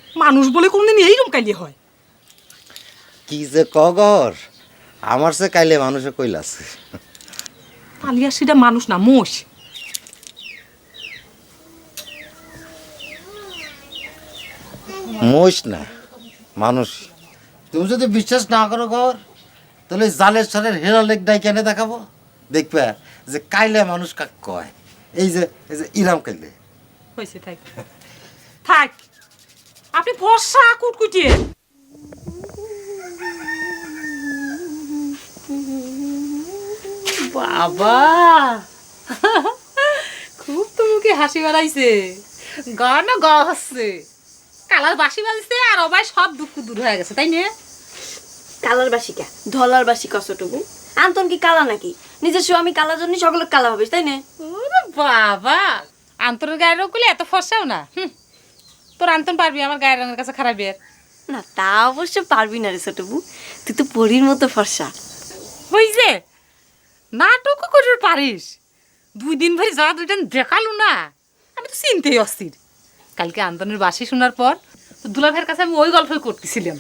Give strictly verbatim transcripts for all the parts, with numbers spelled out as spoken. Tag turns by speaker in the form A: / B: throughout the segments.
A: মানুষ বলে কোনদিন এইরকম কাইলে হয়?
B: কি যে কগর, আমার সে কাইলে মানুষে কইলাছে।
A: তালিয়া সেটা মানুষ না, মোষ।
B: মোষ না, মানুষ। তুমি যদি বিশ্বাস না করো ঘর, তাহলে জালের সালের হেরা লেক ডাই কেনে দেখাবো, দেখবে যে কাইলে মানুষ কাক কয়। এই যে এই যে ইরাম কাইলে।
A: হয়েছে, থাক থাক, আপনি ফর্সা কুটকুটিয়ে। বাবা, খুব তো মুখে হাসি বেড়াইছে, গা না গা হচ্ছে, কালার বাসি বাজছে আর অবাই সব দুঃখ দূর হয়ে গেছে, তাই না?
C: কালার বাসি কে? ধলার বাসি কতটুকু? আন্তন কি কালা নাকি? নিজের স্বামী কালার জন্য সকলে কালা হবে, তাই না?
A: ওরে বাবা, আন্তরের গায়ের রোগ করলে এত ফর্সাও না। হুম, তোর আন্তন পারবি আমার গায়ের রঙের কাছে খারাপ এর?
C: না, তা অবশ্য পারবি না রে ছোটবু, তুই তো পরীর মতো ফর্সা।
A: হইছে, নাটকও করে পারিস। দুই দিন ভরি যারা দুইটা দেখালু না, আমি তো চিনতেই অস্থির। কালকে আন্তনের বাসি শোনার পর তো দুলা ভাইয়ের কাছে আমি ওই গল্পই করতেছিলাম।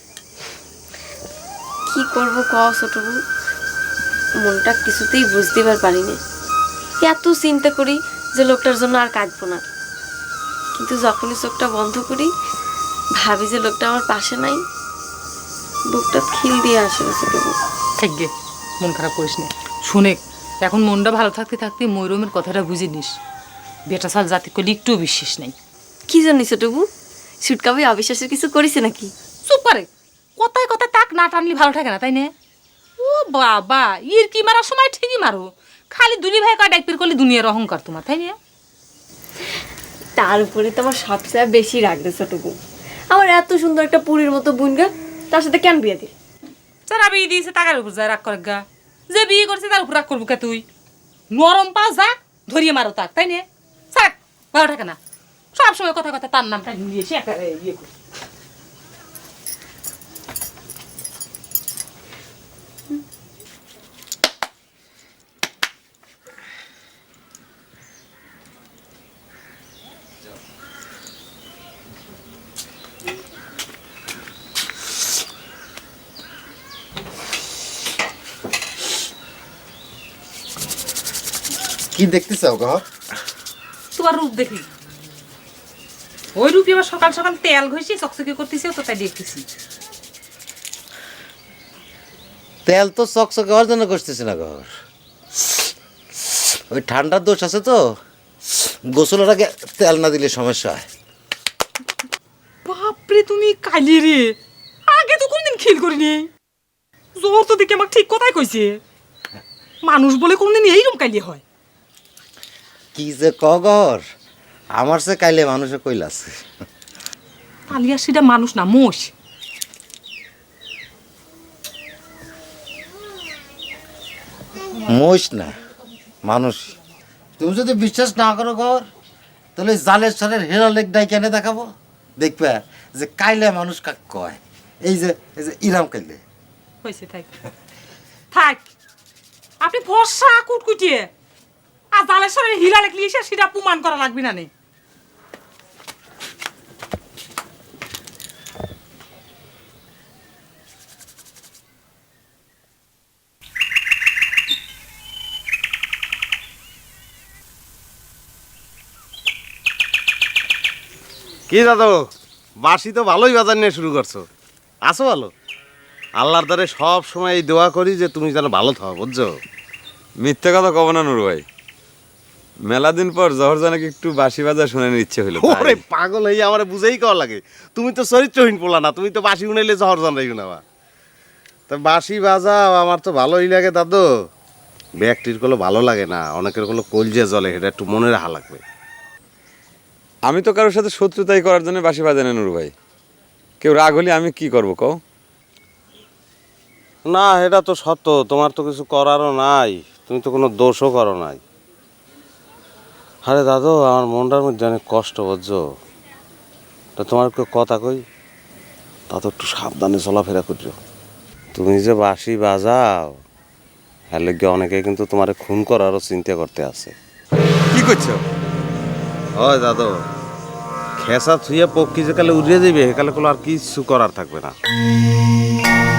C: কি করব ক ছোটবু, মনটা কিছুতেই বুঝতে পারি না। এত চিন্তা করি যে লোকটার জন্য আর কাঁদবো না, কিন্তু যখনই চোখটা বন্ধ করি ভাবি যে লোকটা আমার পাশে নাই, বুকটা খিল দিয়ে আসে রে ছোটবু।
A: থাকবে, মন খারাপ করিস না। শুনে, এখন মনটা ভালো থাকতে থাকতে ময়ূরমের কথাটা বুঝে নিস। বেটা সাল জাতি করলে একটু বিশ্বাস নেই।
C: কি জানি ছোটবু, সুটকাবি অবিশ্বাসের কিছু করেছে নাকি?
A: চুপ করে, কথায় কথায় তাক না টানলি ভালো থাকে না, তাই না? ও বাবা, ইর কি মারার সময় ঠিকই মারো, খালি দুলি ভাই কা ডাইপের করলে দুনিয়ার অহংকার তোমার, তাই না?
C: তার উপরে তো আমার সবচেয়ে বেশি রাগ রে ছোটবু, আমার এত সুন্দর একটা পুরীর মতো বোনগা, তার সাথে কেন বিয়ে দিল?
A: যারা বিয়ে দিয়েছে টাকার উপর যায় রাগ করে গা, যে বিয়ে করছে তার উপর রাগ করবো কে তুই? নরম পা যাক ধরিয়ে মারো তাক, তাই না? থাক, ভালো থাকে না, সব সময় কথা কথা তার নামটা নিয়ে এসে একেবারে ইয়ে করি।
B: কি দেখতে চাও ঘর?
A: তোমার রূপ দেখি, ওই রূপই আবার সকাল সকাল তেল ঘষে চকচকে করতেছে, তো তাই দেখতেছি।
B: তেল তো চকচকে হওয়ার জন্য করতেছি না ঘর, ওই ঠান্ডার দোষ আছে তো, গোসলের আগে তেল না দিলে সমস্যা হয়।
A: বাপরে, তুমি কালি রে, আগে তো কোনদিন খেল করিনি। জ্বর তো দেখে আমাকে ঠিক কথাই কইছে, মানুষ বলে কোনদিন এইরকম কালি হয়?
B: কি যে কগর, আমার সে কাইলে মানুষে কইলাছে।
A: তালিয়া সেটা মানুষ না, মোষ।
B: মোষ না, মানুষ। তুমি যদি বিশ্বাস না করো ঘর, তাহলে জালের সালের হেরা লেক ডাই কেনে দেখাবো, দেখবে যে কাইলে মানুষ কাক কয়। এই যে এই যে ইরাম কাইলে।
A: হয়েছে, থাক থাক, আপনি ফর্সা কুটকুটিয়ে আর জালের সাথে হিলা লেখলি এসে সেটা প্রমাণ করা লাগবে না। নেই
D: কি দাদু, বাসি তো ভালোই বাজার নিয়ে শুরু করছো, আসো ভালো। আল্লাহর দ্বারে সব সময় এই দোয়া করি যে তুমি যেন ভালো থাও, বুঝছো?
E: মিথ্যে কথা কব না নুর ভাই, মেলা দিন পর জহর জানাকে একটু বাসি বাজার শোনানোর ইচ্ছে হইল।
D: ওরে পাগল হয়ে আমার বুঝেই কওয়া লাগে, তুমি তো চরিত্রহীন পোলা না, তুমি তো বাসি উনাইলে জহর জানাই উনাবা। তা বাসি বাজাও, আমার তো ভালোই লাগে দাদু। ব্যক্তির গুলো ভালো লাগে না, অনেকের গুলো কলজে জলে, এটা একটু মনে রাখা লাগবে।
E: আমি তো কারোর সাথে শত্রুতাই করার জন্য বাসি বাজাই না নুর ভাই, কেউ রাগ হলে আমি কি করবো কও?
D: না, এটা তো সত্য, তোমার তো কিছু করারও নাই, তুমি তো কোনো দোষও করো নাই। আরে দাদু, আমার মনটার মধ্যে অনেক কষ্ট, বুঝছো? তা তোমার কেউ কথা কই, তা তো একটু সাবধানে চলাফেরা করছো। তুমি যে বাঁশি বাজাও, হ্যাঁ লেগে অনেকে কিন্তু তোমার খুন করারও চিন্তা করতে আছে।
E: কি করছো?
D: ওই দাদু, খেসা থুইয়া পক্ষী যে কালে উড়িয়ে যাবে সেকালে কোনো আর কিছু করার থাকবে না।